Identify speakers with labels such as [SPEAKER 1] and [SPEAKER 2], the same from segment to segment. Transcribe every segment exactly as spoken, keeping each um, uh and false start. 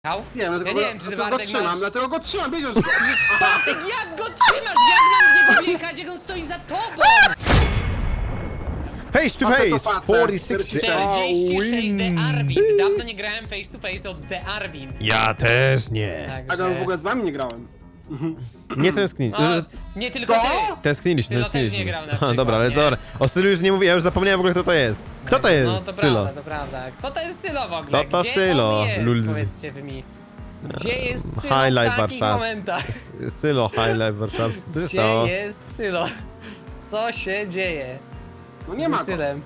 [SPEAKER 1] Jechał?
[SPEAKER 2] Nie, dlatego,
[SPEAKER 1] Ja nie wiem, czy ty,
[SPEAKER 2] dlatego go
[SPEAKER 1] Bartek,
[SPEAKER 2] trzymam,
[SPEAKER 1] masz...
[SPEAKER 2] dlatego go trzymam, wiedziesz, że... Aha,
[SPEAKER 1] Bartek, jak go trzymasz? Jak mam w niego wjechać, jak on stoi za tobą?
[SPEAKER 3] Face to
[SPEAKER 2] Facet to
[SPEAKER 3] face!
[SPEAKER 2] facet.
[SPEAKER 3] czterdzieści sześć
[SPEAKER 1] czterdzieści sześć
[SPEAKER 3] win.
[SPEAKER 1] The Arwind. Dawno nie grałem face to face od The Arwind.
[SPEAKER 3] Ja też nie.
[SPEAKER 2] a ja w
[SPEAKER 1] Także...
[SPEAKER 2] ogóle z wami nie grałem.
[SPEAKER 3] Nie tęskni.
[SPEAKER 1] O, nie tylko
[SPEAKER 2] To?
[SPEAKER 1] ty.
[SPEAKER 3] Tęskniliśmy,
[SPEAKER 1] Sylo też
[SPEAKER 3] tęskniliśmy.
[SPEAKER 1] nie grał na
[SPEAKER 3] Aha,
[SPEAKER 1] przykład,
[SPEAKER 3] dobra, ale
[SPEAKER 1] nie?
[SPEAKER 3] dobra. O Sylu już nie mówię, ja już zapomniałem w ogóle kto to jest. Kto to jest?
[SPEAKER 1] No to
[SPEAKER 3] Sylo.
[SPEAKER 1] prawda, to prawda. Kto to jest Sylo w ogóle?
[SPEAKER 3] Kto to
[SPEAKER 1] Gdzie
[SPEAKER 3] Sylo?
[SPEAKER 1] on jest?
[SPEAKER 3] Lulz.
[SPEAKER 1] Powiedzcie wy mi. Gdzie jest Sylo
[SPEAKER 3] High
[SPEAKER 1] w
[SPEAKER 3] Life
[SPEAKER 1] takich
[SPEAKER 3] Warszawa.
[SPEAKER 1] momentach?
[SPEAKER 3] Sylo, High Life Warszawski. Co się
[SPEAKER 1] Gdzie
[SPEAKER 3] stało?
[SPEAKER 1] jest Sylo? Co się dzieje?
[SPEAKER 2] No nie ma
[SPEAKER 1] Z
[SPEAKER 2] go.
[SPEAKER 1] Sylem.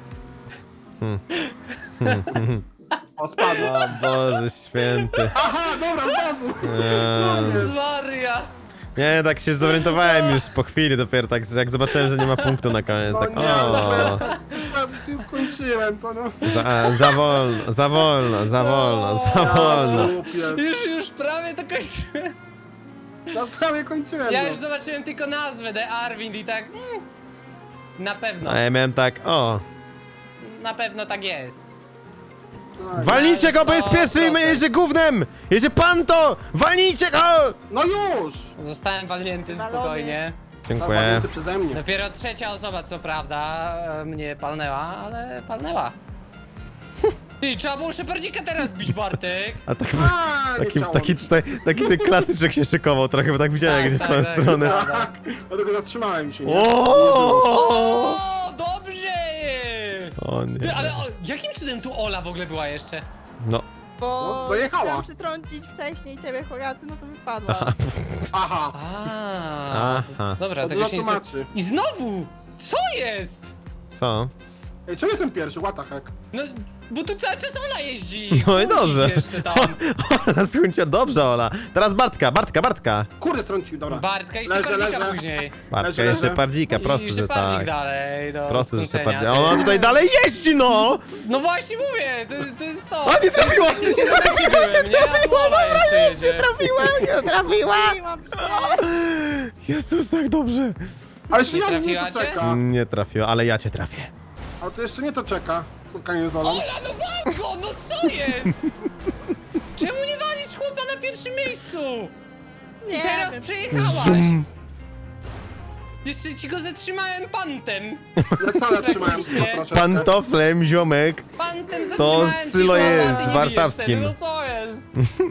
[SPEAKER 2] O, spadł.
[SPEAKER 3] O Boże święty.
[SPEAKER 2] Aha, dobra, znowu.
[SPEAKER 3] Eee,
[SPEAKER 2] Jezu.
[SPEAKER 1] Maria!
[SPEAKER 3] Nie, tak się zorientowałem już po chwili dopiero, tak, że jak zobaczyłem, że nie ma punktu na koniec,
[SPEAKER 2] No
[SPEAKER 3] tak
[SPEAKER 2] nie, no,
[SPEAKER 3] o,
[SPEAKER 2] ja kończyłem to, no.
[SPEAKER 3] za, za wolno, za wolno, za wolno, za
[SPEAKER 2] Ja
[SPEAKER 3] wolno.
[SPEAKER 2] głupie.
[SPEAKER 1] Już, już prawie to kończyłem.
[SPEAKER 2] Ja prawie kończyłem,
[SPEAKER 1] Ja
[SPEAKER 2] no.
[SPEAKER 1] już zobaczyłem tylko nazwę, The Arwind i tak... Mm, na pewno,
[SPEAKER 3] A ja miałem tak, o,
[SPEAKER 1] na pewno tak jest.
[SPEAKER 2] No,
[SPEAKER 3] walnijcie go, bo jest
[SPEAKER 1] sto
[SPEAKER 3] pierwszy i
[SPEAKER 1] procent.
[SPEAKER 3] jedzie gównem! Jedzie pan to! Walnijcie go!
[SPEAKER 2] No już!
[SPEAKER 1] Zostałem walnięty
[SPEAKER 4] Balony.
[SPEAKER 1] spokojnie.
[SPEAKER 3] Dziękuję.
[SPEAKER 2] Zawalnięty przeze mnie.
[SPEAKER 1] Dopiero trzecia osoba, co prawda, e, mnie palnęła, ale palnęła. Ty, trzeba było Szepardzika teraz bić, Bartek.
[SPEAKER 3] A tak,
[SPEAKER 2] A, nie
[SPEAKER 3] taki,
[SPEAKER 2] chciało
[SPEAKER 3] taki
[SPEAKER 2] mi się.
[SPEAKER 3] tutaj, taki ten klasyczek się szykował trochę, bo tak widziałem, jak idzie w tą stronę.
[SPEAKER 1] prawda.
[SPEAKER 2] Dlatego zatrzymałem się, nie?
[SPEAKER 3] O!
[SPEAKER 1] O, dobrze!
[SPEAKER 3] O
[SPEAKER 1] Ty,
[SPEAKER 3] nie.
[SPEAKER 1] ale o, jakim cudem tu Ola w ogóle była jeszcze?
[SPEAKER 3] No,
[SPEAKER 4] Bo
[SPEAKER 2] No, dojechała.
[SPEAKER 4] chciałam przytrącić wcześniej ciebie, Hogaty, no to wypadła.
[SPEAKER 2] Aha.
[SPEAKER 1] A,
[SPEAKER 3] Aha.
[SPEAKER 1] dobra,
[SPEAKER 2] To
[SPEAKER 1] tego
[SPEAKER 2] dla
[SPEAKER 1] się nie... zna-
[SPEAKER 2] tłumaczy.
[SPEAKER 1] I znowu! Co jest?
[SPEAKER 3] co?
[SPEAKER 2] Ej, czemu jestem pierwszy? What the heck?
[SPEAKER 1] No, bo tu cały czas Ola jeździ.
[SPEAKER 3] No i
[SPEAKER 1] Kłóci
[SPEAKER 3] dobrze.
[SPEAKER 1] jeszcze tam.
[SPEAKER 3] Ola, słuchajcie, dobrze Ola. Teraz Bartka, Bartka, Bartka.
[SPEAKER 2] Kurde, strącił, dobra.
[SPEAKER 1] Bartka i
[SPEAKER 2] Leżę,
[SPEAKER 1] Szepardzika
[SPEAKER 2] leżę.
[SPEAKER 1] później.
[SPEAKER 3] Bartka
[SPEAKER 2] Leży,
[SPEAKER 3] jeszcze
[SPEAKER 2] leży.
[SPEAKER 3] Pardzika, prosto,
[SPEAKER 1] I
[SPEAKER 3] że
[SPEAKER 1] Szepardzik
[SPEAKER 3] tak.
[SPEAKER 1] dalej do
[SPEAKER 3] Prosto, że
[SPEAKER 1] skrócenia.
[SPEAKER 3] Szepardzik. A ona tutaj dalej jeździ, no!
[SPEAKER 1] No właśnie mówię, to, jest- to jest to.
[SPEAKER 3] A nie trafiła!
[SPEAKER 1] To jest, to jest, byłem, nie? A tu Ola jeszcze jedzie.
[SPEAKER 3] Trafiła, nie trafiła!
[SPEAKER 4] Trafiłam się.
[SPEAKER 3] Jezus, tak dobrze.
[SPEAKER 2] Ale jeszcze
[SPEAKER 1] Nie
[SPEAKER 2] ja nie
[SPEAKER 1] trafiła
[SPEAKER 2] to
[SPEAKER 1] cię?
[SPEAKER 2] czeka.
[SPEAKER 3] Nie trafiła, ale ja cię trafię.
[SPEAKER 2] Ale to jeszcze nie to czeka. Spotkanie z Olą.
[SPEAKER 1] Ola, no wal go, no co jest? Czemu nie walisz chłopa na pierwszym miejscu?
[SPEAKER 4] Nie
[SPEAKER 1] I teraz
[SPEAKER 4] wiem.
[SPEAKER 1] przejechałaś. Jeszcze ci go zatrzymałem pantem.
[SPEAKER 2] Lecala trzymałem
[SPEAKER 1] Nie.
[SPEAKER 2] go troszeczkę.
[SPEAKER 3] Pantoflem, ziomek.
[SPEAKER 1] Pantem zatrzymałem ci
[SPEAKER 3] Sylo
[SPEAKER 1] chłopa,
[SPEAKER 3] jest
[SPEAKER 1] ty nie
[SPEAKER 3] warszawskim.
[SPEAKER 1] bijesz wtedy, no co jest?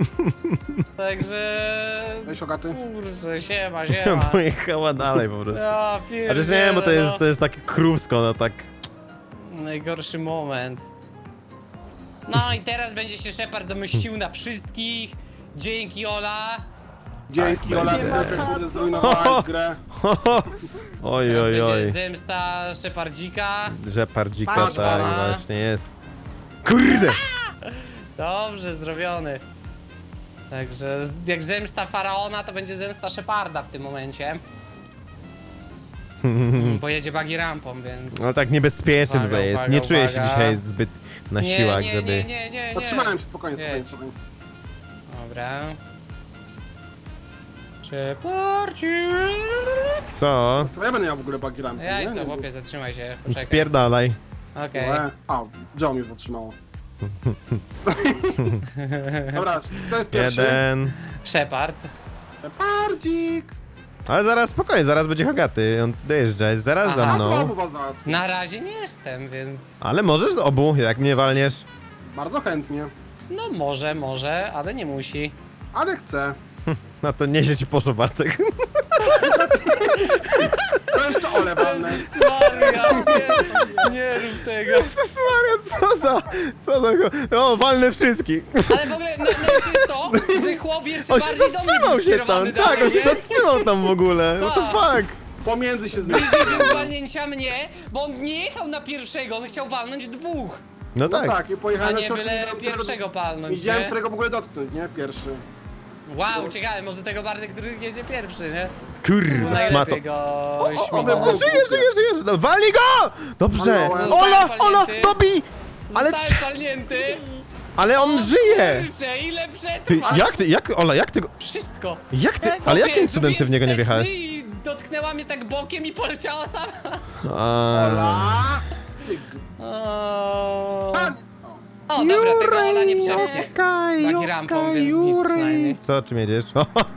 [SPEAKER 1] Także...
[SPEAKER 2] Weź Ogaty.
[SPEAKER 1] Kurczę, siema, siema.
[SPEAKER 3] Pojechała dalej po prostu.
[SPEAKER 1] Ja
[SPEAKER 3] A
[SPEAKER 1] pierdzielę,
[SPEAKER 3] też nie, bo to jest,
[SPEAKER 1] no.
[SPEAKER 3] to jest takie krówsko, no tak.
[SPEAKER 1] Najgorszy moment. No i teraz będzie się Shepard domyścił na wszystkich. Dzięki, Ola.
[SPEAKER 2] Dzięki,
[SPEAKER 3] Tak,
[SPEAKER 2] Ola,
[SPEAKER 3] będzie.
[SPEAKER 2] trochę kurde zrujnowałaś grę.
[SPEAKER 3] Oj,
[SPEAKER 1] Teraz
[SPEAKER 3] oj,
[SPEAKER 1] będzie
[SPEAKER 3] oj.
[SPEAKER 1] zemsta Shepardzika.
[SPEAKER 3] Że pardzika,
[SPEAKER 4] Patrz,
[SPEAKER 3] tak
[SPEAKER 1] pana.
[SPEAKER 3] właśnie jest. Kurde!
[SPEAKER 1] Dobrze, zrobiony. Także z- jak zemsta Faraona, to będzie zemsta Sheparda w tym momencie. Mm, Pojedzie buggy rampą, więc...
[SPEAKER 3] No tak niebezpiecznie
[SPEAKER 1] Uwaga,
[SPEAKER 3] tutaj jest.
[SPEAKER 1] uwaga,
[SPEAKER 3] Nie czuję się
[SPEAKER 1] uwaga.
[SPEAKER 3] dzisiaj zbyt na
[SPEAKER 1] nie,
[SPEAKER 3] siłach,
[SPEAKER 1] nie,
[SPEAKER 3] żeby...
[SPEAKER 1] nie, nie, nie, nie.
[SPEAKER 2] Zatrzymałem się, spokojnie,
[SPEAKER 1] Jedź.
[SPEAKER 2] spokojnie, spokojnie.
[SPEAKER 1] Dobra. Shepardzik.
[SPEAKER 3] Co?
[SPEAKER 2] Co ja będę miał w ogóle bagi rampy,
[SPEAKER 1] Ja i
[SPEAKER 2] nie?
[SPEAKER 1] co, chłopie, zatrzymaj się, poczekaj.
[SPEAKER 3] Spierdalaj.
[SPEAKER 1] Okej.
[SPEAKER 2] Łe. A, Joe mnie zatrzymało. Dobra, to jest pierwszy.
[SPEAKER 3] Jeden.
[SPEAKER 1] Shepard.
[SPEAKER 2] Pardzik!
[SPEAKER 3] Ale zaraz, spokojnie, zaraz będzie Hogaty. On dojeżdża, jest zaraz
[SPEAKER 1] Aha.
[SPEAKER 3] za
[SPEAKER 2] A, to
[SPEAKER 3] mną.
[SPEAKER 2] obu was załatwię.
[SPEAKER 1] Na razie nie jestem, więc...
[SPEAKER 3] Ale możesz z obu, jak mnie walniesz.
[SPEAKER 2] Bardzo chętnie.
[SPEAKER 1] No może, może, ale nie musi.
[SPEAKER 2] Ale chcę.
[SPEAKER 3] No to nieźle ci poszło, Bartek.
[SPEAKER 2] To jeszcze Ole walnę.
[SPEAKER 1] Jezus Maria, nie, nie rób tego.
[SPEAKER 3] Jezus Maria, co za... Co za... O, walnę wszystkich.
[SPEAKER 1] Ale w ogóle najlepsze jest to, że chłop jeszcze
[SPEAKER 3] On się
[SPEAKER 1] bardziej do mnie
[SPEAKER 3] zatrzymał
[SPEAKER 1] był
[SPEAKER 3] się
[SPEAKER 1] skierowany
[SPEAKER 3] tam, tak, on się
[SPEAKER 1] nie?
[SPEAKER 3] zatrzymał tam w ogóle. What the
[SPEAKER 1] Tak.
[SPEAKER 3] fuck?
[SPEAKER 2] Pomiędzy się zmieścił.
[SPEAKER 1] Bliżej był walnięcia mnie, bo on nie jechał na pierwszego, on chciał walnąć dwóch.
[SPEAKER 3] No
[SPEAKER 2] No
[SPEAKER 3] tak.
[SPEAKER 2] tak, i
[SPEAKER 1] A
[SPEAKER 2] pojechałem na
[SPEAKER 1] nie
[SPEAKER 2] środku.
[SPEAKER 1] byle
[SPEAKER 2] widziałem, którego-
[SPEAKER 1] pierwszego palnąć,
[SPEAKER 2] Widziałem,
[SPEAKER 1] nie?
[SPEAKER 2] którego w ogóle dotknąć, nie? Pierwszy.
[SPEAKER 1] Wow, ciekawe, może tego Bartek, który jedzie pierwszy, nie?
[SPEAKER 3] Kurwa, szmato.
[SPEAKER 1] Najlepiej go
[SPEAKER 2] o,
[SPEAKER 3] O,
[SPEAKER 1] śmigał.
[SPEAKER 3] o, żyje, żyje, żyje. No, walnij go! Dobrze.
[SPEAKER 2] Zostałem
[SPEAKER 3] Ola, Ola,
[SPEAKER 1] palnięty.
[SPEAKER 3] dobij! Ale,
[SPEAKER 1] Zostałem palnięty.
[SPEAKER 3] ale on żyje!
[SPEAKER 1] Kurczę, ile
[SPEAKER 3] Ty,
[SPEAKER 1] przetrwasz?
[SPEAKER 3] jak ty, jak, Ola, jak ty go...
[SPEAKER 1] Wszystko.
[SPEAKER 3] Jak ty, ale
[SPEAKER 1] Chłopie,
[SPEAKER 3] jakim cudem ty w
[SPEAKER 1] zrobiłem
[SPEAKER 3] niego nie
[SPEAKER 1] wsteczny
[SPEAKER 3] wjechałeś?
[SPEAKER 1] I dotknęła mnie tak bokiem i poleciała sama.
[SPEAKER 3] A,
[SPEAKER 2] Ola! Ty g-
[SPEAKER 1] O,
[SPEAKER 2] Pan!
[SPEAKER 1] O, dobra, tego Ola nie przepchnie.
[SPEAKER 3] Kaju,
[SPEAKER 1] Taki rampą, więc nic przynajmniej.
[SPEAKER 3] Co, czym jedziesz?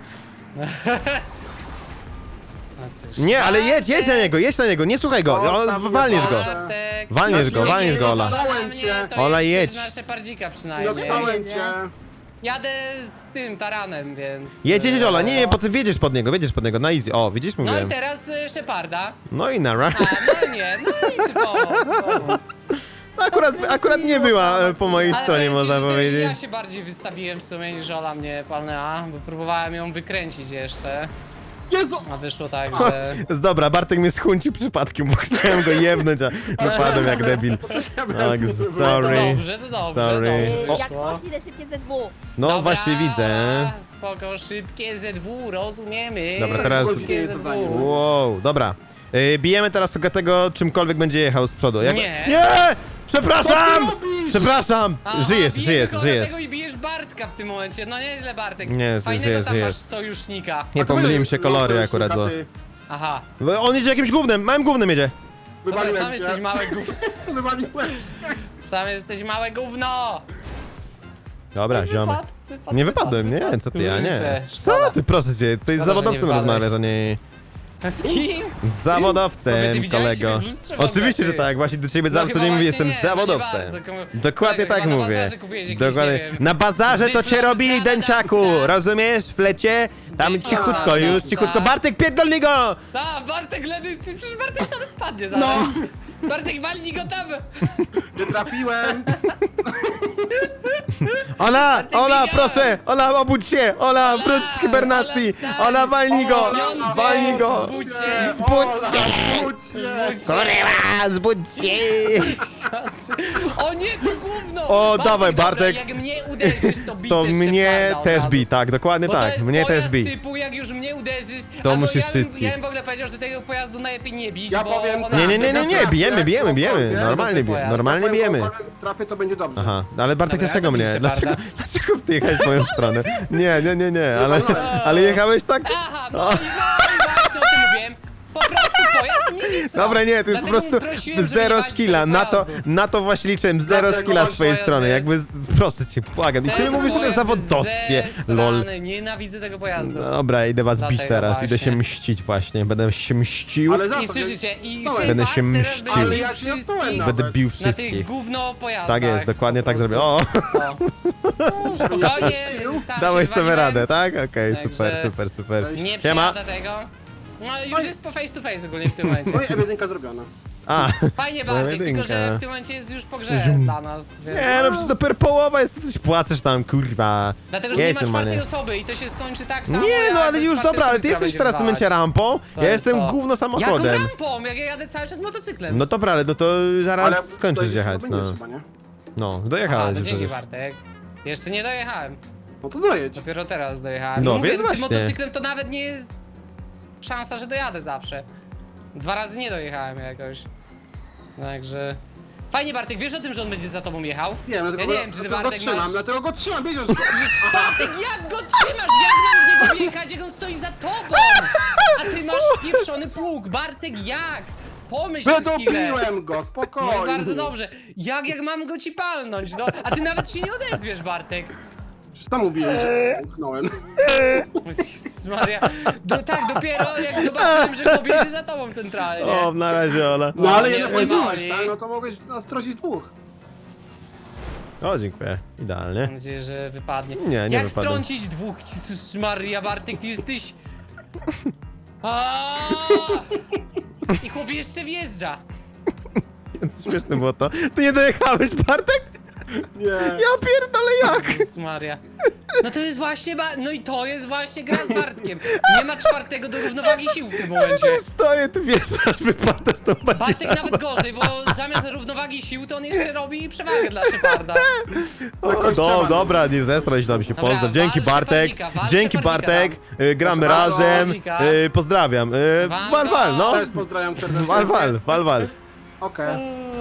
[SPEAKER 1] No cóż.
[SPEAKER 3] Nie, ale jedź, jedź na niego, jedź na niego, nie słuchaj go,
[SPEAKER 2] O,
[SPEAKER 3] o,
[SPEAKER 2] tam
[SPEAKER 3] walniesz go.
[SPEAKER 2] Boże.
[SPEAKER 1] Bartek.
[SPEAKER 3] Walniesz go,
[SPEAKER 2] No,
[SPEAKER 3] walniesz
[SPEAKER 1] Nie
[SPEAKER 3] go,
[SPEAKER 1] jedziesz
[SPEAKER 3] Ola.
[SPEAKER 1] na
[SPEAKER 2] Dałem
[SPEAKER 1] mnie,
[SPEAKER 2] cię.
[SPEAKER 1] to
[SPEAKER 3] Ola,
[SPEAKER 1] jedź
[SPEAKER 3] jedź.
[SPEAKER 1] też na Szepardzika
[SPEAKER 2] No
[SPEAKER 1] przynajmniej.
[SPEAKER 2] Dotknąłem cię.
[SPEAKER 1] Jadę z tym taranem, więc...
[SPEAKER 3] Jedź, jedź, Ola, nie, nie,
[SPEAKER 1] no.
[SPEAKER 3] bo ty wiedziesz pod niego, wiedziesz pod niego, na easy. O, widzisz,
[SPEAKER 1] No i
[SPEAKER 3] mówiłem.
[SPEAKER 1] teraz y, Szeparda.
[SPEAKER 3] No i nara.
[SPEAKER 1] A, no nie, no i typowo.
[SPEAKER 3] Akurat, akurat nie była e, po mojej
[SPEAKER 1] Ale
[SPEAKER 3] stronie,
[SPEAKER 1] powiem ci,
[SPEAKER 3] można
[SPEAKER 1] że to
[SPEAKER 3] powiedzieć.
[SPEAKER 1] Ja się bardziej wystawiłem w sumie niż Ola mnie palnęła, bo próbowałem ją wykręcić jeszcze,
[SPEAKER 2] Jezu!
[SPEAKER 1] a wyszło tak, że...
[SPEAKER 3] Jest dobra, Bartek mnie schunci przypadkiem, bo chciałem go jebnąć, a wypadłem jak debil. Tak,
[SPEAKER 1] No to
[SPEAKER 3] sorry.
[SPEAKER 1] dobrze, to dobrze,
[SPEAKER 3] Sorry.
[SPEAKER 1] dobrze
[SPEAKER 4] Yy, Jak
[SPEAKER 1] wyszło.
[SPEAKER 4] ktoś idę szybkie Z dwa.
[SPEAKER 3] No
[SPEAKER 1] Dobra,
[SPEAKER 3] właśnie widzę.
[SPEAKER 1] Spoko, szybkie Z dwa, rozumiemy.
[SPEAKER 3] Dobra, teraz-
[SPEAKER 1] Szybkie Z dwa.
[SPEAKER 3] Wow, dobra. Yy, bijemy teraz Ogatego, czymkolwiek będzie jechał z przodu. Jak...
[SPEAKER 1] Nie.
[SPEAKER 3] Nie! Przepraszam!
[SPEAKER 2] Co ty robisz?
[SPEAKER 3] Przepraszam!
[SPEAKER 1] Aha,
[SPEAKER 3] Żyjesz,
[SPEAKER 1] bijemy
[SPEAKER 3] żyjesz,
[SPEAKER 1] go
[SPEAKER 3] żyjesz.
[SPEAKER 1] Dlatego i bijesz Bartka w tym momencie. No nieźle, Bartek.
[SPEAKER 3] Nie,
[SPEAKER 1] Fajnego
[SPEAKER 3] żyjesz,
[SPEAKER 1] tam
[SPEAKER 3] żyjesz.
[SPEAKER 1] masz sojusznika.
[SPEAKER 3] Nie pomyliłem się kolory
[SPEAKER 2] No,
[SPEAKER 3] akurat, bo...
[SPEAKER 2] ty.
[SPEAKER 1] Aha.
[SPEAKER 3] bo on jedzie jakimś gównem, małym gównem jedzie.
[SPEAKER 1] Dobra, sam
[SPEAKER 2] Wywaliłem
[SPEAKER 1] jesteś
[SPEAKER 2] cię.
[SPEAKER 1] małe gówno.
[SPEAKER 2] Wywaliłem.
[SPEAKER 1] Sam jesteś małe gówno.
[SPEAKER 3] Dobra, ziomy.
[SPEAKER 1] Wypadł, wypadł,
[SPEAKER 3] Nie
[SPEAKER 1] wypadł,
[SPEAKER 3] wypadłem, nie,
[SPEAKER 1] wypadł.
[SPEAKER 3] co ty, ja nie.
[SPEAKER 1] Kurczę,
[SPEAKER 3] Co
[SPEAKER 1] szkoda.
[SPEAKER 3] ty, proszę cię, ty z
[SPEAKER 1] Szkoda, że
[SPEAKER 3] zawodowcem
[SPEAKER 1] nie
[SPEAKER 3] rozmawiasz, a nie...
[SPEAKER 1] Z kim?
[SPEAKER 3] Z zawodowcem,
[SPEAKER 1] Bo ty widziałeś
[SPEAKER 3] kolego.
[SPEAKER 1] siebie w lustrze w ogóle,
[SPEAKER 3] Oczywiście, że
[SPEAKER 1] ty?
[SPEAKER 3] tak, właśnie do ciebie
[SPEAKER 1] No
[SPEAKER 3] zawsze
[SPEAKER 1] chyba
[SPEAKER 3] nie mówię,
[SPEAKER 1] właśnie
[SPEAKER 3] jestem
[SPEAKER 1] nie, no nie
[SPEAKER 3] zawodowcem.
[SPEAKER 1] bardzo, komu-
[SPEAKER 3] Dokładnie
[SPEAKER 1] kolego,
[SPEAKER 3] tak
[SPEAKER 1] chyba na
[SPEAKER 3] mówię.
[SPEAKER 1] bazarze kupiłeś jakiś,
[SPEAKER 3] Dokładnie.
[SPEAKER 1] nie wiem,
[SPEAKER 3] Na bazarze to cię
[SPEAKER 1] dyplom
[SPEAKER 3] robili, dęciaku,
[SPEAKER 1] zawodowca.
[SPEAKER 3] rozumiesz? W flecie? Tam
[SPEAKER 1] Dyplom
[SPEAKER 3] cichutko już,
[SPEAKER 1] zawodowca.
[SPEAKER 3] cichutko. Bartek, pierdolnij go!
[SPEAKER 1] Ta, Bartek ledy, ty przecież Bartek sam spadnie zaraz.
[SPEAKER 2] No.
[SPEAKER 1] Bartek walnij go tam.
[SPEAKER 2] Nie trafiłem.
[SPEAKER 3] Ola,
[SPEAKER 1] Bartek,
[SPEAKER 3] Ola,
[SPEAKER 1] biegaj!
[SPEAKER 3] proszę! Ola, obudź się! Ola,
[SPEAKER 1] Ola,
[SPEAKER 3] wróć z hibernacji!
[SPEAKER 1] Ola, wstań!
[SPEAKER 3] Ola, walnij go!
[SPEAKER 1] Śniący,
[SPEAKER 3] Walnij go!
[SPEAKER 1] zbudź się.
[SPEAKER 3] Zbudź
[SPEAKER 2] Ola,
[SPEAKER 3] się!
[SPEAKER 2] zbudź się.
[SPEAKER 1] Zbudź się.
[SPEAKER 3] Kurwa, zbudź się!
[SPEAKER 1] O nie, to gówno!
[SPEAKER 3] O, dawaj,
[SPEAKER 1] dobra,
[SPEAKER 3] Bartek.
[SPEAKER 1] Jak mnie uderzysz, to bij
[SPEAKER 3] To
[SPEAKER 1] też
[SPEAKER 3] mnie
[SPEAKER 1] Szeparda od
[SPEAKER 3] też
[SPEAKER 1] razu.
[SPEAKER 3] bij, tak, dokładnie
[SPEAKER 1] Bo to
[SPEAKER 3] tak,
[SPEAKER 1] jest
[SPEAKER 3] mnie
[SPEAKER 1] pojazd
[SPEAKER 3] też bij.
[SPEAKER 1] typu, jak już mnie uderzysz,
[SPEAKER 3] To
[SPEAKER 1] albo
[SPEAKER 3] musisz
[SPEAKER 1] ja bym,
[SPEAKER 3] wszystkich.
[SPEAKER 1] ja bym w ogóle powiedział, że tego pojazdu najlepiej nie bić,
[SPEAKER 2] Ja
[SPEAKER 1] bo
[SPEAKER 2] powiem
[SPEAKER 1] ona...
[SPEAKER 3] Nie, nie, nie, nie, nie,
[SPEAKER 2] Trafię,
[SPEAKER 3] bijemy, bijemy, bijemy,
[SPEAKER 2] cokolwiek.
[SPEAKER 3] normalnie bijemy,
[SPEAKER 1] Pojazd.
[SPEAKER 3] normalnie bijemy.
[SPEAKER 2] Cokolwiek trafię, to będzie dobrze.
[SPEAKER 3] Aha, no ale Bartek,
[SPEAKER 1] Dobra,
[SPEAKER 3] dlaczego
[SPEAKER 1] ja to
[SPEAKER 3] mnie?
[SPEAKER 1] biję
[SPEAKER 3] Dlaczego,
[SPEAKER 1] Szeparda.
[SPEAKER 3] dlaczego ty jechałeś w moją stronę? Nie, nie, nie, nie, ale, ale jechałeś tak...
[SPEAKER 1] Aha, no i, no i właśnie o tym mówiłem. Po prostu pojazd mnie wysrał.
[SPEAKER 3] Dobra, nie, to jest po
[SPEAKER 1] Dlatego
[SPEAKER 3] prostu
[SPEAKER 1] prosiłem, żeby
[SPEAKER 3] zero
[SPEAKER 1] nie walić
[SPEAKER 3] skilla,
[SPEAKER 1] tego
[SPEAKER 3] na to,
[SPEAKER 1] pojazdu.
[SPEAKER 3] na to właśnie liczyłem, zero
[SPEAKER 2] Dlatego
[SPEAKER 3] skilla z
[SPEAKER 2] on
[SPEAKER 3] twojej
[SPEAKER 1] pojazd
[SPEAKER 3] strony,
[SPEAKER 1] jest-
[SPEAKER 3] jakby, z- proszę cię, błagam. I ty
[SPEAKER 1] Ten
[SPEAKER 3] mówisz o
[SPEAKER 1] pojazd
[SPEAKER 3] zawodowstwie,
[SPEAKER 1] jest
[SPEAKER 3] lol.
[SPEAKER 1] zesrany, Nienawidzę tego pojazdu.
[SPEAKER 3] Dobra, idę was bić
[SPEAKER 1] Dlatego
[SPEAKER 3] teraz, idę się
[SPEAKER 1] właśnie.
[SPEAKER 3] mścić właśnie, będę się mścił,
[SPEAKER 2] Ale za
[SPEAKER 1] I
[SPEAKER 2] to,
[SPEAKER 1] słyszycie, i
[SPEAKER 2] Stałem.
[SPEAKER 3] Będę
[SPEAKER 1] Shepard
[SPEAKER 3] się
[SPEAKER 1] teraz
[SPEAKER 3] mścił.
[SPEAKER 1] będzie
[SPEAKER 2] Ale
[SPEAKER 1] bił
[SPEAKER 2] ja się nie stałem
[SPEAKER 1] wszystkich
[SPEAKER 2] na-
[SPEAKER 3] będę bił
[SPEAKER 1] na tych
[SPEAKER 3] wszystkich.
[SPEAKER 1] gówno pojazdach.
[SPEAKER 3] Tak jest, dokładnie
[SPEAKER 1] po
[SPEAKER 3] tak
[SPEAKER 1] prostu.
[SPEAKER 3] zrobię. O,
[SPEAKER 1] O, spokojnie, sam
[SPEAKER 3] dałeś
[SPEAKER 1] się
[SPEAKER 3] sobie
[SPEAKER 1] waliłem.
[SPEAKER 3] radę, tak? Okej,
[SPEAKER 1] Także-
[SPEAKER 3] super, super, super.
[SPEAKER 1] Nie
[SPEAKER 3] Siema.
[SPEAKER 1] przejada tego. No już jest po face to face ogólnie w tym momencie.
[SPEAKER 2] No i F jeden zrobiona.
[SPEAKER 3] A,
[SPEAKER 1] Fajnie Bartek, tylko
[SPEAKER 3] jedynka.
[SPEAKER 1] że w tym momencie jest już po grze
[SPEAKER 3] Zoom.
[SPEAKER 1] dla nas, więc...
[SPEAKER 3] nie no, przecież dopiero połowa jest, ty płaczesz tam, kurwa.
[SPEAKER 1] Dlatego, że nie
[SPEAKER 3] Jedź
[SPEAKER 1] ma
[SPEAKER 3] normalnie.
[SPEAKER 1] czwartej osoby i to się skończy tak samo.
[SPEAKER 3] Nie no,
[SPEAKER 1] jak
[SPEAKER 3] ale
[SPEAKER 1] bez
[SPEAKER 3] już
[SPEAKER 1] czwartej
[SPEAKER 3] dobra, ale
[SPEAKER 1] osoby,
[SPEAKER 3] ty
[SPEAKER 1] która
[SPEAKER 3] jesteś
[SPEAKER 1] będzie
[SPEAKER 3] teraz w tym momencie
[SPEAKER 1] wywalać.
[SPEAKER 3] rampą,
[SPEAKER 1] To
[SPEAKER 3] ja
[SPEAKER 1] jest
[SPEAKER 3] jestem
[SPEAKER 1] to.
[SPEAKER 3] gówno
[SPEAKER 1] Jaką
[SPEAKER 3] samochodem.
[SPEAKER 1] rampą? Jak ja jadę cały czas motocyklem.
[SPEAKER 3] No dobra, ale no to zaraz
[SPEAKER 2] Ale
[SPEAKER 3] skończysz
[SPEAKER 2] to
[SPEAKER 3] jechać,
[SPEAKER 2] będziesz
[SPEAKER 3] no.
[SPEAKER 2] chyba, nie?
[SPEAKER 3] No,
[SPEAKER 1] Aha,
[SPEAKER 3] dojechałeś.
[SPEAKER 1] to
[SPEAKER 3] już
[SPEAKER 1] dzięki
[SPEAKER 3] przecież.
[SPEAKER 1] Bartek. Jeszcze nie dojechałem.
[SPEAKER 2] No to dojedź.
[SPEAKER 1] Dopiero teraz dojechałem.
[SPEAKER 3] No,
[SPEAKER 1] Mówię,
[SPEAKER 3] więc
[SPEAKER 1] tym
[SPEAKER 3] właśnie.
[SPEAKER 1] motocyklem to nawet nie jest szansa, że dojadę zawsze. Dwa razy nie dojechałem jakoś. Także... Fajnie Bartek, wiesz o tym, że on będzie za tobą jechał?
[SPEAKER 2] Wiem,
[SPEAKER 1] ja
[SPEAKER 2] dlatego,
[SPEAKER 1] nie wiem, czy ty
[SPEAKER 2] dlatego go
[SPEAKER 1] Bartek
[SPEAKER 2] trzymam,
[SPEAKER 1] masz...
[SPEAKER 2] dlatego go trzymam, wiedziesz, że...
[SPEAKER 1] Bartek, jak go trzymasz? Jak mam w niego wjechać, jak on stoi za tobą? A ty masz pieprzony pług. Bartek, jak? Pomyśl chwilę.
[SPEAKER 2] Wydobiłem go,
[SPEAKER 1] No
[SPEAKER 2] spokojnie.
[SPEAKER 1] i bardzo dobrze. Jak, jak mam go ci palnąć, no? A ty nawet się nie odezwiesz, Bartek.
[SPEAKER 2] Przecież tam mówiłeś, że uchnąłem.
[SPEAKER 1] Jezus Maria. Do, tak, dopiero jak zobaczyłem, że go bierze za tobą centralnie.
[SPEAKER 3] O, na razie, Ola.
[SPEAKER 2] No ale
[SPEAKER 1] nie
[SPEAKER 2] jednak
[SPEAKER 1] boli.
[SPEAKER 2] powiedziałeś, tak? No to mogłeś nastroić dwóch.
[SPEAKER 3] O, dziękuję. Idealnie.
[SPEAKER 1] Mam nadzieję, że wypadnie.
[SPEAKER 3] Nie, nie
[SPEAKER 1] Jak
[SPEAKER 3] wypadłem.
[SPEAKER 1] strącić dwóch? Jezus Maria, Bartek, ty jesteś... Aaaa! I chłop jeszcze wjeżdża.
[SPEAKER 3] Śmieszne było to. Ty nie dojechałeś, Bartek?
[SPEAKER 2] Nie.
[SPEAKER 3] Ja pierdolę jak?
[SPEAKER 1] Jezus Maria. No to jest właśnie, ba... no i to jest właśnie gra z Bartkiem. Nie ma czwartego do równowagi sił w tym
[SPEAKER 3] Ja
[SPEAKER 1] momencie.
[SPEAKER 3] tam stoję, ty wiesz, aż wypadasz tą barierę.
[SPEAKER 1] Bartek nawet gorzej, bo zamiast równowagi sił, to on jeszcze robi przewagę dla Szeparda.
[SPEAKER 3] O,
[SPEAKER 2] Jakoś
[SPEAKER 3] do,
[SPEAKER 2] trzeba.
[SPEAKER 3] dobra, nie zestraj się tam się,
[SPEAKER 1] Dobra,
[SPEAKER 3] pozdrow. Dzięki
[SPEAKER 1] wal
[SPEAKER 3] Bartek,
[SPEAKER 1] Szepardika, wal
[SPEAKER 3] dzięki
[SPEAKER 1] Szepardika
[SPEAKER 3] Bartek, y, gramy
[SPEAKER 2] Proszę bardzo.
[SPEAKER 3] razem,
[SPEAKER 1] Szepardika.
[SPEAKER 3] y, pozdrawiam. Y,
[SPEAKER 1] Wal
[SPEAKER 3] Wal,
[SPEAKER 1] go.
[SPEAKER 3] wal, no.
[SPEAKER 2] Też pozdrawiam serdecznie.
[SPEAKER 3] Wal, wal, wal, wal.
[SPEAKER 2] Okej.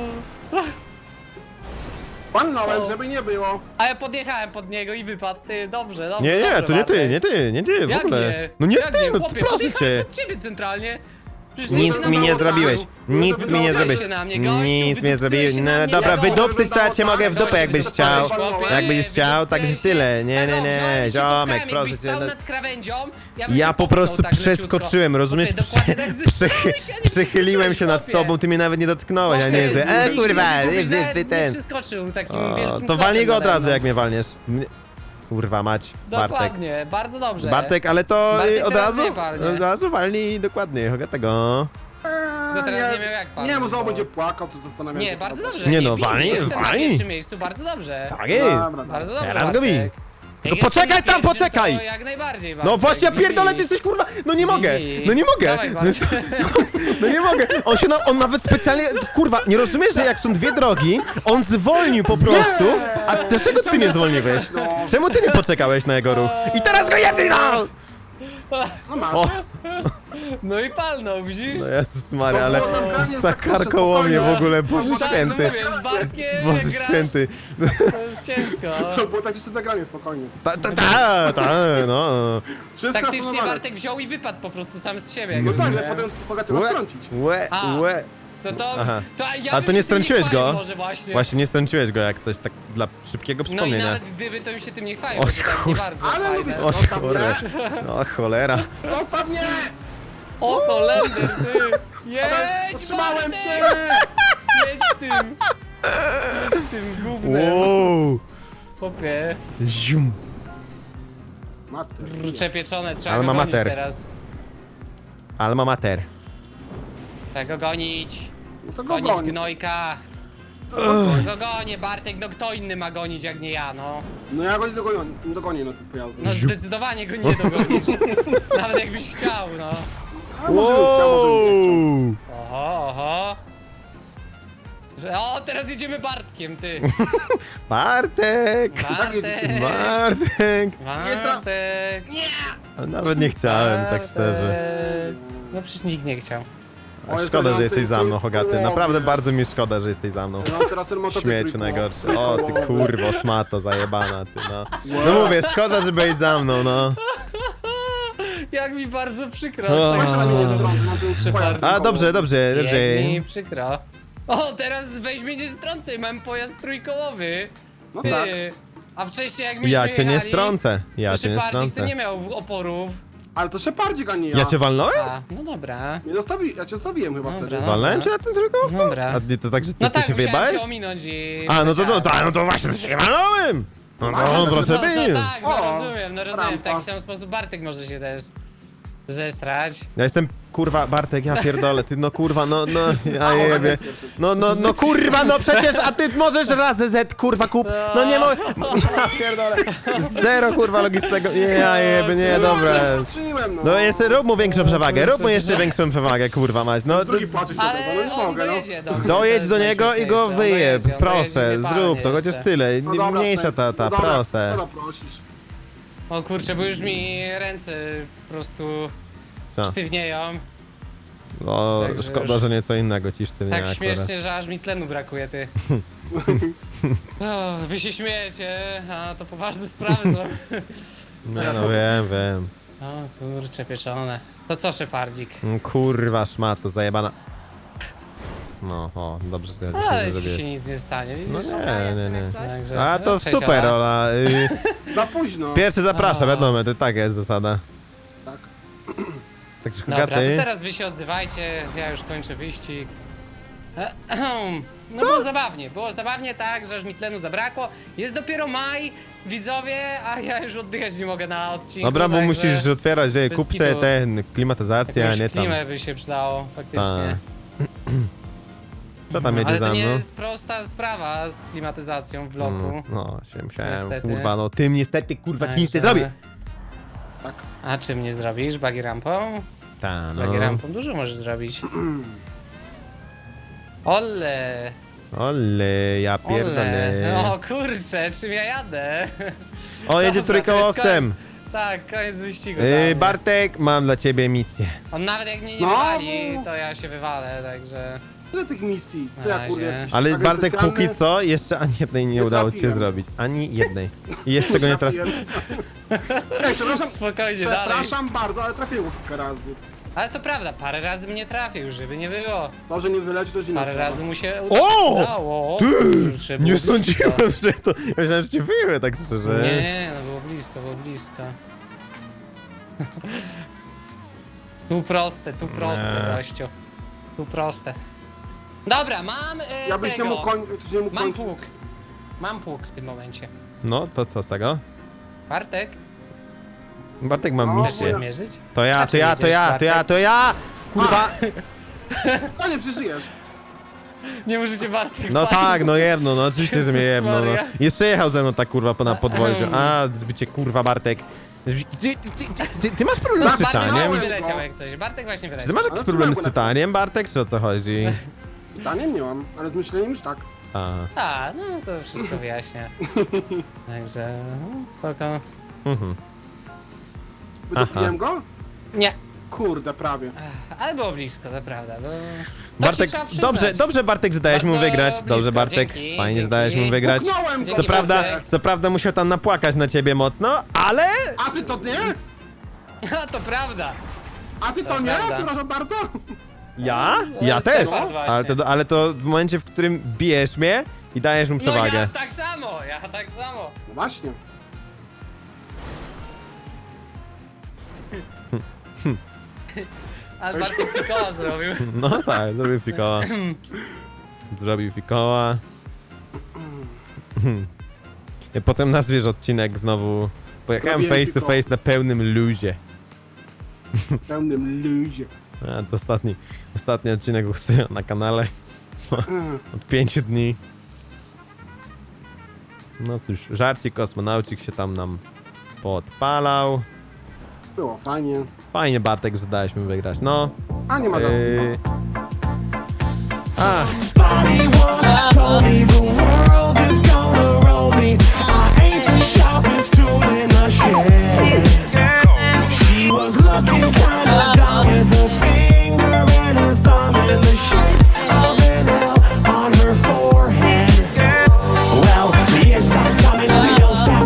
[SPEAKER 2] Palnąłem, żeby nie było.
[SPEAKER 1] A ja podjechałem pod niego i wypadł. Ty, dobrze, dobrze.
[SPEAKER 3] Nie, nie,
[SPEAKER 1] dobrze,
[SPEAKER 3] to nie ty,
[SPEAKER 1] Bartek.
[SPEAKER 3] nie ty, nie ty, w
[SPEAKER 1] Jak
[SPEAKER 3] ogóle.
[SPEAKER 1] nie?
[SPEAKER 3] No nie
[SPEAKER 1] Jak
[SPEAKER 3] ty,
[SPEAKER 1] nie?
[SPEAKER 3] no
[SPEAKER 1] Chłopie,
[SPEAKER 3] proszę
[SPEAKER 1] podjechałem
[SPEAKER 3] cię.
[SPEAKER 1] pod ciebie centralnie. Przecież
[SPEAKER 3] Nic
[SPEAKER 1] jesteś
[SPEAKER 3] mi
[SPEAKER 1] na
[SPEAKER 3] nie
[SPEAKER 1] dole.
[SPEAKER 3] zrobiłeś. Nic mi nie
[SPEAKER 1] Wydupcaj
[SPEAKER 3] zrobiłeś.
[SPEAKER 1] się na mnie, gościu,
[SPEAKER 3] Nic mi nie
[SPEAKER 1] wydupcaj
[SPEAKER 3] zrobiłeś.
[SPEAKER 1] się
[SPEAKER 3] No
[SPEAKER 1] na mnie,
[SPEAKER 3] dobra,
[SPEAKER 1] ja gościu.
[SPEAKER 3] wydupcyć to ja cię mogę w dupę,
[SPEAKER 1] Gościu,
[SPEAKER 3] jakbyś
[SPEAKER 1] wydupcaj
[SPEAKER 3] chciał.
[SPEAKER 1] się, chłopie,
[SPEAKER 3] Jakbyś chciał,
[SPEAKER 1] wydupcaj
[SPEAKER 3] także
[SPEAKER 1] się.
[SPEAKER 3] tyle. Nie, nie,
[SPEAKER 1] Tak,
[SPEAKER 3] nie,
[SPEAKER 1] wziąłem cię,
[SPEAKER 3] ziomek,
[SPEAKER 1] popchałem,
[SPEAKER 3] proszę
[SPEAKER 1] jakbyś
[SPEAKER 3] cię.
[SPEAKER 1] stał
[SPEAKER 3] no-
[SPEAKER 1] nad krawędzią, ja bym
[SPEAKER 3] Ja
[SPEAKER 1] cię
[SPEAKER 3] po
[SPEAKER 1] popchnął
[SPEAKER 3] prostu
[SPEAKER 1] tak leciutko.
[SPEAKER 3] przeskoczyłem, rozumiesz?
[SPEAKER 1] Chłopie, dokładnie tak
[SPEAKER 3] Prze-
[SPEAKER 1] zesrałeś, a nie
[SPEAKER 3] Przychyliłem się nad
[SPEAKER 1] przeskoczyłeś,
[SPEAKER 3] tobą, ty mnie nawet nie dotknąłeś, a nie, że e kurwa,
[SPEAKER 1] ty,
[SPEAKER 3] ty, ty, ty
[SPEAKER 1] Nie
[SPEAKER 3] ten.
[SPEAKER 1] przeskoczył takim
[SPEAKER 3] O,
[SPEAKER 1] wielkim
[SPEAKER 3] to walnij go
[SPEAKER 1] klocem
[SPEAKER 3] od razu,
[SPEAKER 1] nade
[SPEAKER 3] jak mnie walniesz. Mnie- Kurwa mać, Bartek.
[SPEAKER 1] Dokładnie, bardzo dobrze.
[SPEAKER 3] Bartek, ale to
[SPEAKER 1] Bartek
[SPEAKER 3] y, od
[SPEAKER 1] teraz
[SPEAKER 3] razu,
[SPEAKER 1] mnie walnie.
[SPEAKER 3] od razu walnij dokładnie, tego.
[SPEAKER 1] Tylko teraz nie miał jak pan.
[SPEAKER 2] Nie, bo znowu
[SPEAKER 1] bo-
[SPEAKER 2] będzie płakał, to zastanawiam się.
[SPEAKER 1] Nie, bardzo
[SPEAKER 2] co
[SPEAKER 1] dobrze.
[SPEAKER 3] Nie no,
[SPEAKER 1] bij,
[SPEAKER 3] walnij,
[SPEAKER 1] jestem na
[SPEAKER 3] walnij.
[SPEAKER 1] pierwszym miejscu, bardzo dobrze.
[SPEAKER 3] Tak jest.
[SPEAKER 2] Dobra, dobra.
[SPEAKER 1] Bardzo dobrze,
[SPEAKER 3] Teraz go bij.
[SPEAKER 1] Bartek.
[SPEAKER 3] Tylko
[SPEAKER 1] Jak jestem
[SPEAKER 3] poczekaj
[SPEAKER 1] na
[SPEAKER 3] tam,
[SPEAKER 1] pierwszym,
[SPEAKER 3] poczekaj.
[SPEAKER 1] To jak najbardziej, Bartek.
[SPEAKER 3] No właśnie, ja
[SPEAKER 1] Bij,
[SPEAKER 3] pierdolę,
[SPEAKER 1] bij.
[SPEAKER 3] ty jesteś kurwa, no nie mogę,
[SPEAKER 1] Bij.
[SPEAKER 3] no nie mogę.
[SPEAKER 1] Dawaj, Bartek.
[SPEAKER 3] No nie mogę, on się na, on nawet specjalnie, kurwa, nie rozumiesz, że jak są dwie drogi, on zwolnił po prostu, a dlaczego ty nie zwolniłeś? Czemu ty nie poczekałeś na jego ruch? I teraz go jebnij, no!
[SPEAKER 2] No masz.
[SPEAKER 3] O,
[SPEAKER 1] No i palnął, widzisz?
[SPEAKER 3] no Jezus Maria, ale
[SPEAKER 2] To było zabranie,
[SPEAKER 3] tak
[SPEAKER 2] tak proszę,
[SPEAKER 3] karkołomnie w
[SPEAKER 2] spokojnie.
[SPEAKER 3] ogóle, Boże
[SPEAKER 1] Tak, no
[SPEAKER 3] Święty.
[SPEAKER 1] mówię, z Bartkiem
[SPEAKER 3] Boże
[SPEAKER 1] jak grasz,
[SPEAKER 3] Święty.
[SPEAKER 1] to jest ciężko.
[SPEAKER 2] To było tak jeszcze zagranie, spokojnie.
[SPEAKER 3] Ta, ta, ta, ta, no.
[SPEAKER 2] Wszystko
[SPEAKER 1] Taktycznie
[SPEAKER 2] zaplanowane.
[SPEAKER 1] Bartek wziął i wypadł po prostu sam z siebie.
[SPEAKER 2] No
[SPEAKER 1] jak
[SPEAKER 2] tak,
[SPEAKER 1] rozumiem.
[SPEAKER 2] ale potem Hogaty ma
[SPEAKER 3] Łe,
[SPEAKER 2] strącić.
[SPEAKER 3] łe,
[SPEAKER 1] A.
[SPEAKER 3] łe.
[SPEAKER 1] To to,
[SPEAKER 3] Aha.
[SPEAKER 1] to ja
[SPEAKER 3] A
[SPEAKER 1] bym
[SPEAKER 3] to nie
[SPEAKER 1] się tym
[SPEAKER 3] strąciłeś
[SPEAKER 1] chwalił
[SPEAKER 3] go?
[SPEAKER 1] może właśnie.
[SPEAKER 3] Właśnie nie strąciłeś go jak coś tak dla szybkiego
[SPEAKER 1] No i
[SPEAKER 3] przypomnienia.
[SPEAKER 1] nawet gdyby to mi się tym nie chwalił,
[SPEAKER 3] O,
[SPEAKER 1] bo to tak nie
[SPEAKER 3] kur-
[SPEAKER 1] bardzo
[SPEAKER 2] Ale
[SPEAKER 1] fajne.
[SPEAKER 2] lubisz-
[SPEAKER 3] O
[SPEAKER 2] Zostaw
[SPEAKER 3] cholera. No cholera.
[SPEAKER 2] Zostaw mnie!
[SPEAKER 1] O Holender, ty! Jedź,
[SPEAKER 2] Potrzymałem
[SPEAKER 1] Bartek!
[SPEAKER 2] cię!
[SPEAKER 1] Jedź tym! Jedź tym gównem!
[SPEAKER 3] Wow.
[SPEAKER 1] Popie.
[SPEAKER 3] Zium.
[SPEAKER 2] Mater.
[SPEAKER 1] Kurcze pieczone, trzeba
[SPEAKER 3] Ale
[SPEAKER 1] go
[SPEAKER 3] ma
[SPEAKER 1] gonić
[SPEAKER 3] mater.
[SPEAKER 1] teraz.
[SPEAKER 3] Alma mater.
[SPEAKER 1] Trzeba go gonić.
[SPEAKER 2] No to go
[SPEAKER 1] Gonić
[SPEAKER 2] broń.
[SPEAKER 1] gnojka. Go gonię, Bartek, no kto inny ma gonić jak nie ja, no.
[SPEAKER 2] No ja go nie dogonię, nie dogonię na tym pojazdzie.
[SPEAKER 1] No zdecydowanie go nie dogonisz. Nawet jakbyś chciał, no.
[SPEAKER 2] A może bym chciał, może bym nie chciał.
[SPEAKER 1] Oho, oho. O, teraz jedziemy Bartkiem, ty.
[SPEAKER 3] Bartek!
[SPEAKER 1] Bartek.
[SPEAKER 3] Bartek!
[SPEAKER 1] Bartek.
[SPEAKER 3] A nawet nie chciałem, tak szczerze.
[SPEAKER 1] Bartek. No przecież nikt nie chciał.
[SPEAKER 2] O, jest
[SPEAKER 3] Szkoda,
[SPEAKER 2] ten
[SPEAKER 3] że jesteś
[SPEAKER 2] ty-
[SPEAKER 3] za mną,
[SPEAKER 2] ty-
[SPEAKER 3] Hogaty.
[SPEAKER 2] ty-
[SPEAKER 3] Naprawdę bardzo mi szkoda, że jesteś za mną.
[SPEAKER 2] No teraz ten motocykl
[SPEAKER 3] Śmieciu
[SPEAKER 2] trójkoło-
[SPEAKER 3] najgorszy. O, ty
[SPEAKER 2] trójkołowy.
[SPEAKER 3] kurwo, szmato zajebana, ty no. No mówię, szkoda, że byłeś za mną, no.
[SPEAKER 1] Jak mi bardzo przykro.
[SPEAKER 3] O.
[SPEAKER 1] z
[SPEAKER 2] Weź
[SPEAKER 1] tego
[SPEAKER 2] na mnie nie
[SPEAKER 1] powodu.
[SPEAKER 2] strącę, na tym
[SPEAKER 1] Proszę
[SPEAKER 2] pojazd
[SPEAKER 1] bardzo.
[SPEAKER 3] A,
[SPEAKER 2] trójkołowy.
[SPEAKER 3] dobrze, dobrze, dobrze.
[SPEAKER 1] Jak mi przykro. O, teraz weź mnie nie strącaj, mam pojazd trójkołowy.
[SPEAKER 2] No
[SPEAKER 1] Ty.
[SPEAKER 2] tak.
[SPEAKER 1] A wcześniej jak myśmy
[SPEAKER 3] Ja cię nie
[SPEAKER 1] jechali,
[SPEAKER 3] strącę. Ja
[SPEAKER 1] to
[SPEAKER 3] cię nie
[SPEAKER 1] Szepardzik to
[SPEAKER 3] strącę.
[SPEAKER 1] nie miał oporów.
[SPEAKER 2] Ale to Szepardzik, a nie ja.
[SPEAKER 3] Ja cię walnąłem?
[SPEAKER 1] A, no dobra.
[SPEAKER 2] Nie zostawi, ja cię zostawiłem chyba
[SPEAKER 1] Dobra.
[SPEAKER 2] wtedy.
[SPEAKER 3] Walnąłem cię na tym trójkowcu?
[SPEAKER 1] Dobra.
[SPEAKER 3] A nie, to tak, że ty,
[SPEAKER 1] No
[SPEAKER 3] ty
[SPEAKER 1] tak,
[SPEAKER 3] się
[SPEAKER 1] musiałem
[SPEAKER 3] wyjebałeś?
[SPEAKER 1] cię ominąć i...
[SPEAKER 3] A, no to, no,
[SPEAKER 1] leciałem.
[SPEAKER 3] to, no to właśnie, to się nie walnąłem! No, no,
[SPEAKER 2] No,
[SPEAKER 3] proszę
[SPEAKER 1] no, to
[SPEAKER 3] by.
[SPEAKER 1] tak, no
[SPEAKER 2] O,
[SPEAKER 1] rozumiem, no rozumiem. W
[SPEAKER 2] rampa.
[SPEAKER 1] taki sam sposób Bartek może się też zestrać.
[SPEAKER 3] Ja jestem, kurwa, Bartek, ja pierdolę, ty no kurwa, no, no, ja jebie. No, no, no kurwa, no przecież, a ty możesz razy Z, kurwa, kup, no nie mogę, ja pierdolę. Zero, kurwa, logistycznego, nie, ja jebie, nie, dobra.
[SPEAKER 2] Patrzyłem, no.
[SPEAKER 3] No jeszcze rób mu większą przewagę, rób mu jeszcze
[SPEAKER 1] kurczę.
[SPEAKER 3] większą przewagę, kurwa mać, no.
[SPEAKER 2] Drugi płacze się
[SPEAKER 1] Ale
[SPEAKER 2] tego, no nie
[SPEAKER 1] on
[SPEAKER 2] mogę, no.
[SPEAKER 1] dojedzie do mnie. to
[SPEAKER 3] Dojedź
[SPEAKER 1] jest
[SPEAKER 3] do niego i go
[SPEAKER 1] najśmieszniejsze. On
[SPEAKER 3] wyjeb,
[SPEAKER 1] dojedzie, on
[SPEAKER 3] proszę,
[SPEAKER 1] dojedzie, nie
[SPEAKER 3] zrób to,
[SPEAKER 1] palnie
[SPEAKER 3] chociaż
[SPEAKER 1] jeszcze.
[SPEAKER 3] tyle,
[SPEAKER 2] No dobra,
[SPEAKER 3] mniejsza
[SPEAKER 2] Frank,
[SPEAKER 3] ta, ta,
[SPEAKER 2] no dobra,
[SPEAKER 3] proszę.
[SPEAKER 2] Dobra, prosisz.
[SPEAKER 1] O kurczę, bo już mi ręce po prostu
[SPEAKER 3] Co?
[SPEAKER 1] sztywnieją.
[SPEAKER 3] No,
[SPEAKER 1] Także
[SPEAKER 3] szkoda,
[SPEAKER 1] już-
[SPEAKER 3] że nieco innego ci sztywnie
[SPEAKER 1] Tak
[SPEAKER 3] akurat.
[SPEAKER 1] śmiesznie, że aż mi tlenu brakuje, ty. O, wy się śmiejecie, a to poważne sprawy są.
[SPEAKER 3] No, no wiem, wiem.
[SPEAKER 1] O kurczę, pieczone. To co, Szepardzik?
[SPEAKER 3] Mm, Kurwa szmato, zajebana. No, o, dobrze, że to
[SPEAKER 1] Ale
[SPEAKER 3] nie
[SPEAKER 1] ci się
[SPEAKER 3] zrobiłeś.
[SPEAKER 1] nic nie stanie,
[SPEAKER 3] No
[SPEAKER 1] widzisz?
[SPEAKER 3] nie, nie, nie.
[SPEAKER 1] Także,
[SPEAKER 3] A
[SPEAKER 1] no,
[SPEAKER 3] to
[SPEAKER 1] cześć,
[SPEAKER 3] super,
[SPEAKER 1] Ola.
[SPEAKER 3] Ola. Y,
[SPEAKER 2] Za późno.
[SPEAKER 3] Pierwszy zaprasza,
[SPEAKER 1] O.
[SPEAKER 3] wiadomo, to tak jest zasada.
[SPEAKER 2] Tak.
[SPEAKER 3] Także
[SPEAKER 1] Dobra, to
[SPEAKER 3] Hogaty.
[SPEAKER 1] teraz wy się odzywajcie, ja już kończę wyścig. Ehem. No było zabawnie, było zabawnie tak, że aż mi tlenu zabrakło. Jest dopiero maj, widzowie, a ja już oddychać nie mogę na odcinku.
[SPEAKER 3] Dobra, bo
[SPEAKER 1] także
[SPEAKER 3] musisz otwierać, wie,
[SPEAKER 1] bez
[SPEAKER 3] kup
[SPEAKER 1] kitu.
[SPEAKER 3] sobie ten, klimatyzację, a
[SPEAKER 1] jakąś
[SPEAKER 3] nie tam.
[SPEAKER 1] klimę by się przydało, faktycznie.
[SPEAKER 3] Co tam jedzie
[SPEAKER 1] Ale
[SPEAKER 3] za
[SPEAKER 1] to nie
[SPEAKER 3] mną?
[SPEAKER 1] jest prosta sprawa z klimatyzacją w bloku.
[SPEAKER 3] Mm, No, się musiałem,
[SPEAKER 1] Niestety.
[SPEAKER 3] kurwa, no tym niestety, kurwa,
[SPEAKER 1] Także-
[SPEAKER 3] nic nie zrobię.
[SPEAKER 2] Tak.
[SPEAKER 1] A czym nie zrobisz? Buggy rampą?
[SPEAKER 3] Ta, no.
[SPEAKER 1] Buggy rampą dużo możesz zrobić. Ole!
[SPEAKER 3] Ole, ja
[SPEAKER 1] Ole!
[SPEAKER 3] pierdolę.
[SPEAKER 1] O kurczę, czym ja jadę?
[SPEAKER 3] O, jedzie
[SPEAKER 1] Dobra, to jest
[SPEAKER 3] trójkołowcem.
[SPEAKER 1] koniec- Tak, koniec wyścigu.
[SPEAKER 3] Yy,
[SPEAKER 1] dla mnie.
[SPEAKER 3] Bartek, mam dla ciebie misję.
[SPEAKER 1] On nawet jak mnie nie
[SPEAKER 2] No.
[SPEAKER 1] wywali, to ja się wywalę, także...
[SPEAKER 2] Tyle tych misji. Co
[SPEAKER 1] Na
[SPEAKER 2] ja
[SPEAKER 1] razie.
[SPEAKER 2] kurde. jakiś
[SPEAKER 3] Ale
[SPEAKER 2] agent
[SPEAKER 3] Bartek,
[SPEAKER 2] specjalny?
[SPEAKER 3] póki co, jeszcze ani jednej nie,
[SPEAKER 2] Nie
[SPEAKER 3] udało ci się
[SPEAKER 2] trafiłem.
[SPEAKER 3] zrobić. Ani jednej. I jeszcze go nie trafiłem.
[SPEAKER 2] Trafiłem. Ej, przepraszam,
[SPEAKER 1] Spokojnie, dalej.
[SPEAKER 2] przepraszam bardzo, ale trafiłem kilka razy.
[SPEAKER 1] Ale to prawda, parę razy mnie trafił, żeby nie było.
[SPEAKER 2] To, że nie wyleci, to już inna
[SPEAKER 1] Parę
[SPEAKER 2] sprawa.
[SPEAKER 1] razy mu się
[SPEAKER 3] O!
[SPEAKER 1] udało.
[SPEAKER 3] Ty!
[SPEAKER 1] Kurczę, było
[SPEAKER 3] Nie
[SPEAKER 1] blisko.
[SPEAKER 3] sądziłem, że to... Ja myślałem, że cię wyjmę, tak szczerze.
[SPEAKER 1] Nie, nie, no było blisko, było blisko. Tu proste, tu proste,
[SPEAKER 3] Nie.
[SPEAKER 1] gościu. Tu proste. Dobra, mam e,
[SPEAKER 2] Ja byś nie
[SPEAKER 1] tego.
[SPEAKER 2] mógł kończyć, nie mógł
[SPEAKER 1] Mam
[SPEAKER 2] kończyć.
[SPEAKER 1] pług. Mam pług w tym momencie.
[SPEAKER 3] No, to co z tego?
[SPEAKER 1] Bartek,
[SPEAKER 3] Bartek mam
[SPEAKER 2] No,
[SPEAKER 1] chcesz się
[SPEAKER 3] misję.
[SPEAKER 1] zmierzyć?
[SPEAKER 3] To ja,
[SPEAKER 1] A
[SPEAKER 3] to
[SPEAKER 1] czy
[SPEAKER 3] ja,
[SPEAKER 1] jedziesz,
[SPEAKER 3] to ja, to ja,
[SPEAKER 1] Bartek?
[SPEAKER 3] to ja! Kurwa!
[SPEAKER 2] A nie, przeżyjesz.
[SPEAKER 1] Nie możecie Bartek
[SPEAKER 3] No
[SPEAKER 1] palić.
[SPEAKER 3] tak, no jebno, no oczywiście, że mnie
[SPEAKER 1] Jezus
[SPEAKER 3] jebno, no.
[SPEAKER 1] Maria.
[SPEAKER 3] Jeszcze jechał ze mną ta kurwa po- na podwoziu.
[SPEAKER 1] Ahem.
[SPEAKER 3] A, zbycie kurwa Bartek. Ty, ty, ty, ty, ty masz problem z
[SPEAKER 1] Bartek
[SPEAKER 3] czytaniem?
[SPEAKER 1] właśnie
[SPEAKER 2] Czytałem
[SPEAKER 1] wyleciał
[SPEAKER 2] go.
[SPEAKER 1] jak coś. Bartek właśnie
[SPEAKER 3] Czy ty
[SPEAKER 1] wyleciał.
[SPEAKER 3] masz
[SPEAKER 2] Ale
[SPEAKER 3] jakiś problem z
[SPEAKER 2] trzymaj go na
[SPEAKER 3] czytaniem, Bartek, czy o co chodzi?
[SPEAKER 2] Pytaniem nie mam, ale z myśleniem już tak.
[SPEAKER 3] A,
[SPEAKER 1] A, no to wszystko wyjaśnia. Także, no, spoko.
[SPEAKER 3] mhm.
[SPEAKER 2] Wydopiłem go?
[SPEAKER 1] Nie,
[SPEAKER 2] Kurde, prawie.
[SPEAKER 1] ale było blisko, to prawda. No, to
[SPEAKER 3] Bartek,
[SPEAKER 1] ci trzeba przyznać.
[SPEAKER 3] dobrze, dobrze Bartek, że dałeś mu
[SPEAKER 1] Bardzo
[SPEAKER 3] wygrać.
[SPEAKER 1] blisko,
[SPEAKER 3] Dobrze Bartek,
[SPEAKER 1] dzięki,
[SPEAKER 3] fajnie, że
[SPEAKER 1] dzięki.
[SPEAKER 3] dałeś mu wygrać.
[SPEAKER 2] Puknąłem go!
[SPEAKER 3] Co
[SPEAKER 1] Dzięki,
[SPEAKER 3] prawda,
[SPEAKER 1] Bartek.
[SPEAKER 3] co prawda musiał tam napłakać na ciebie mocno, ale...
[SPEAKER 2] A ty to nie?
[SPEAKER 1] A, to prawda.
[SPEAKER 2] A ty to
[SPEAKER 1] To
[SPEAKER 2] nie?
[SPEAKER 1] prawda.
[SPEAKER 2] Przepraszam bardzo.
[SPEAKER 3] Ja?
[SPEAKER 1] No,
[SPEAKER 3] Ja też.
[SPEAKER 1] Shepard właśnie.
[SPEAKER 3] Ale to, ale to w momencie, w którym bijesz mnie i dajesz mu
[SPEAKER 1] No
[SPEAKER 3] przewagę.
[SPEAKER 1] ja tak samo, ja tak samo.
[SPEAKER 2] No właśnie.
[SPEAKER 1] Ale Bartek tylko zrobił.
[SPEAKER 3] No tak, zrobił fikoła. Zrobił fikoła. I potem nazwiesz odcinek znowu. Pojechałem
[SPEAKER 2] Zrobiłem
[SPEAKER 3] face to
[SPEAKER 2] fikoła.
[SPEAKER 3] face na pełnym luzie.
[SPEAKER 2] W pełnym luzie.
[SPEAKER 3] A, to ostatni, ostatni odcinek u Syna na kanale.
[SPEAKER 2] Mm.
[SPEAKER 3] Od pięciu dni. No cóż, żarcik kosmonaucik się tam nam podpalał.
[SPEAKER 2] Było fajnie.
[SPEAKER 3] Fajnie Bartek, że dałeś mi wygrać, no.
[SPEAKER 2] A nie ma racji.
[SPEAKER 3] Yy... A,
[SPEAKER 5] Told me the world